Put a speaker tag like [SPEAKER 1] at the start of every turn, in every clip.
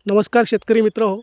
[SPEAKER 1] नमस्कार शेतकरी मित्र हो.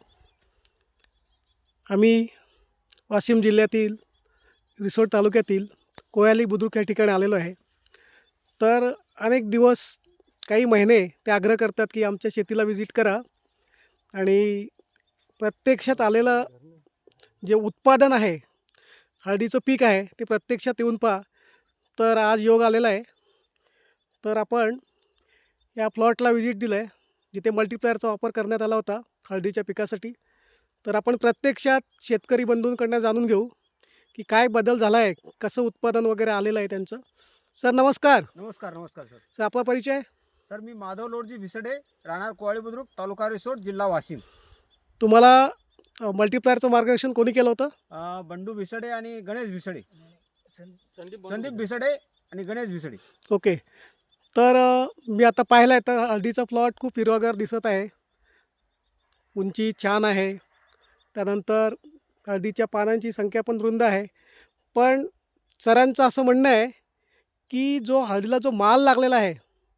[SPEAKER 1] आम्ही वाशिम जिल्ह्यातील रिसोड तालुक्यातील कोयाली बुद्रुक या ठिकाणी आलेलो आहे. तर अनेक दिवस काही महिने ते आग्रह करतात की आमच्या शेतीला व्हिजिट करा आणि प्रत्यक्षात आलेलं जे उत्पादन आहे, हळदीचं पीक आहे, ते प्रत्यक्षात येऊन पहा. तर आज योग आलेला आहे. तर आपण या प्लॉटला व्हिजिट दिलं आहे, जिथे मल्टीप्लायरचा वापर करण्यात आला होता हळदीच्या पिकासाठी. तर आपण प्रत्यक्षात शेतकरी बंधूंकडनं जाणून घेऊ की काय बदल झाला आहे, कसं उत्पादन वगैरे आलेलं आहे त्यांचं. सर नमस्कार.
[SPEAKER 2] नमस्कार नमस्कार सर.
[SPEAKER 1] सर आपला परिचय.
[SPEAKER 2] सर मी माधव लोडजी विसडे, राहणार कोयाली बुद्रुक, तालुका रिसोड, जिल्हा वाशिम.
[SPEAKER 1] तुम्हाला मल्टीप्लायरचं मार्गदर्शन कोणी केलं होतं?
[SPEAKER 2] बंडू विसडे आणि गणेश विसडे, संदीप विसडे आणि गणेश विसडे.
[SPEAKER 1] ओके. तर मी आता पाहिलं आहे तर हळदीचा प्लॉट खूप हिरवागार दिसत आहे, उंची छान आहे. त्यानंतर हळदीच्या पानांची संख्या पण रुंद आहे. पण सरांचं असं म्हणणं आहे की जो हळदीला जो माल लागलेला आहे,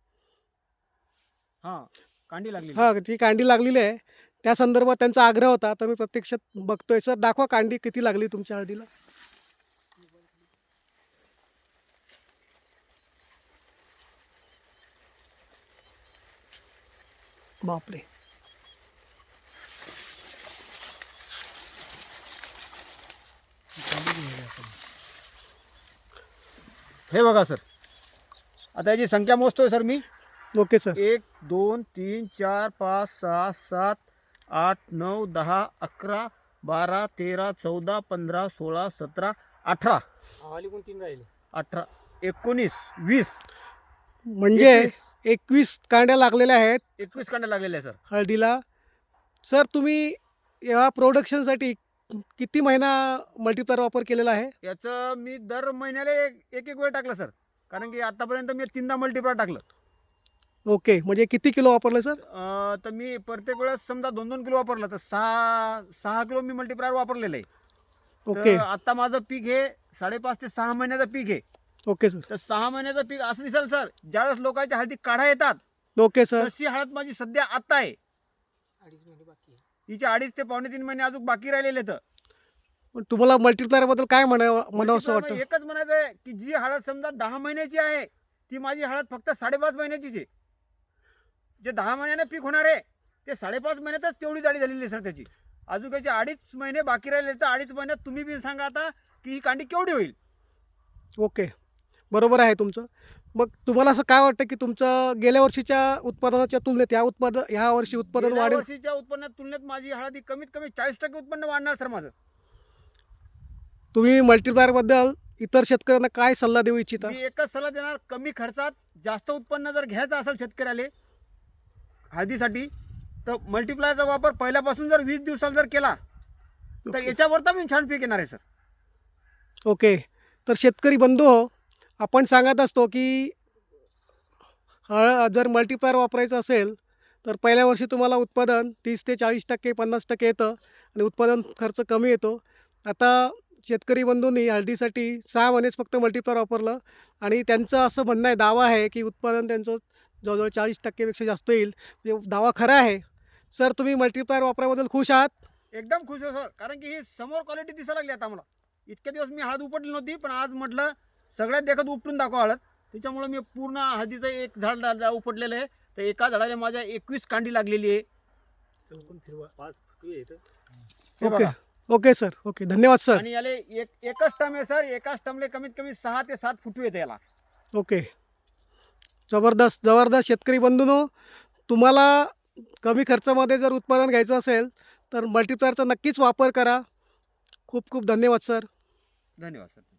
[SPEAKER 2] हां, कांडी लागली.
[SPEAKER 1] जी कांडी लागलेली आहे, त्या संदर्भात त्यांचा आग्रह होता. तर मी प्रत्यक्षात बघतोय. सर दाखवा कांडी किती लागली तुमच्या हळदीला. बापरे.
[SPEAKER 2] हे बघा सर, आता याची संख्या मोजतोय सर मी.
[SPEAKER 1] Okay sir.
[SPEAKER 2] 1 2 3 4 5 6 7 8 9 10 11 12 13 14 15 16 17 18 18 19 20
[SPEAKER 1] म्हणजे 21 कांड्या लागलेल्या आहेत
[SPEAKER 2] 21 कांड्या लागलेल्या आहे सर.
[SPEAKER 1] हळदीला. सर तुम्ही या प्रोडक्शनसाठी किती महिना मल्टीप्लायर वापर केलेला आहे?
[SPEAKER 2] याचं मी दर महिन्याला एक एक वेळ टाकलं सर, कारण की आतापर्यंत मी 3दा मल्टीप्लायर टाकलं.
[SPEAKER 1] ओके. म्हणजे किती किलो वापरलं सर?
[SPEAKER 2] तर मी प्रत्येक वेळेस समजा 2-2 किलो वापरलं तर 6 किलो मी मल्टीप्लायर वापरलेलं आहे.
[SPEAKER 1] ओके.
[SPEAKER 2] तर आता माझं पीक हे 5.5 ते 6 महिन्याचं पीक आहे.
[SPEAKER 1] Okay sir.
[SPEAKER 2] तर 6 महिन्याचं पीक असं दिसेल सर, ज्यावेळेस लोकांच्या हळदी काढा येतात
[SPEAKER 1] ओके सर.
[SPEAKER 2] तशी हळद माझी सध्या आता आहे. हिचे 2.5 ते 3.5 महिने अजून बाकी राहिलेले तर
[SPEAKER 1] पण तुम्हाला मल्टीप्लायरबद्दल काय म्हणावं असं वाटतं?
[SPEAKER 2] एकच म्हणायचं आहे की जी हळद समजा 10 महिन्याची आहे ती माझी हळद फक्त 5.5 महिन्याचीच आहे. जे 10 महिन्याने पीक होणार आहे ते 5.5 महिन्यातच तेवढी जाडी झालेली आहे सर त्याची. अजून त्याचे 2.5 महिने बाकी राहिले तर 2.5 महिन्यात तुम्ही बी सांगा आता की ही कांडी केवढी होईल.
[SPEAKER 1] ओके. बरोबर आहे तुमचं. मग तुम्हाला असं काय वाटतं की तुमचं गेल्या वर्षीच्या उत्पादनाच्या तुलनेत ह्या वर्षी उत्पादन
[SPEAKER 2] गेल्या
[SPEAKER 1] वाढेल?
[SPEAKER 2] वर्षीच्या उत्पन्नात तुलनेत माझी हळद ही कमीत कमी 40% उत्पन्न वाढणार सर माझं.
[SPEAKER 1] तुम्ही मल्टीप्लायरबद्दल इतर शेतकऱ्यांना काय सल्ला देऊ इच्छिता?
[SPEAKER 2] मी एकच सल्ला देणार, कमी खर्चात जास्त उत्पन्न जर घ्यायचं असेल शेतकऱ्याला हळदीसाठी तर मल्टीप्लायरचा वापर पहिल्यापासून जर 20 दिवसात जर केला तर याच्यावर तर मी छान पीक येणार आहे सर.
[SPEAKER 1] ओके. तर शेतकरी बंधू हो, आपण सांगत असतो की जर मल्टीप्लायर वापरायचं असेल तर पहिल्या वर्षी तुम्हाला उत्पादन 30 ते 40%, 50% येतं आणि उत्पादन खर्च कमी येतो. आता शेतकरी बंधूंनी हळदीसाठी 6 महिनेच फक्त मल्टीप्लायर वापरलं आणि त्यांचं असं म्हणणं आहे, दावा आहे की उत्पादन त्यांचं जवळजवळ 40% पेक्षा जास्त येईल. म्हणजे दावा खरा आहे. सर तुम्ही मल्टीप्लायर वापराबद्दल खुश आहात?
[SPEAKER 2] एकदम खुश आहे सर, कारण की ही समोर क्वालिटी दिसायला लागली आता मला. इतके दिवस मी हळद उपटली नव्हती, पण आज म्हटलं सगळ्यात देखत उपटून दाखवा हळद. त्याच्यामुळे मी पूर्ण हळदीचं एक झाड उपटलेलं आहे. तर एका झाडाला माझ्या 21 कांडी लागलेली आहे. हे
[SPEAKER 1] ओके.
[SPEAKER 2] बघा.
[SPEAKER 1] Okay sir. ओके. धन्यवाद सर.
[SPEAKER 2] आणि याला एकच टर्म आहे सर, एकाच टर्मला कमीत कमी 6 ते 7 फुटू येते याला.
[SPEAKER 1] ओके. जबरदस्त जबरदस्त. शेतकरी बंधूंनो, तुम्हाला कमी खर्चामध्ये जर उत्पादन घ्यायचं असेल तर मल्टीप्लायरचा नक्कीच वापर करा. खूप खूप धन्यवाद सर.
[SPEAKER 2] धन्यवाद सर.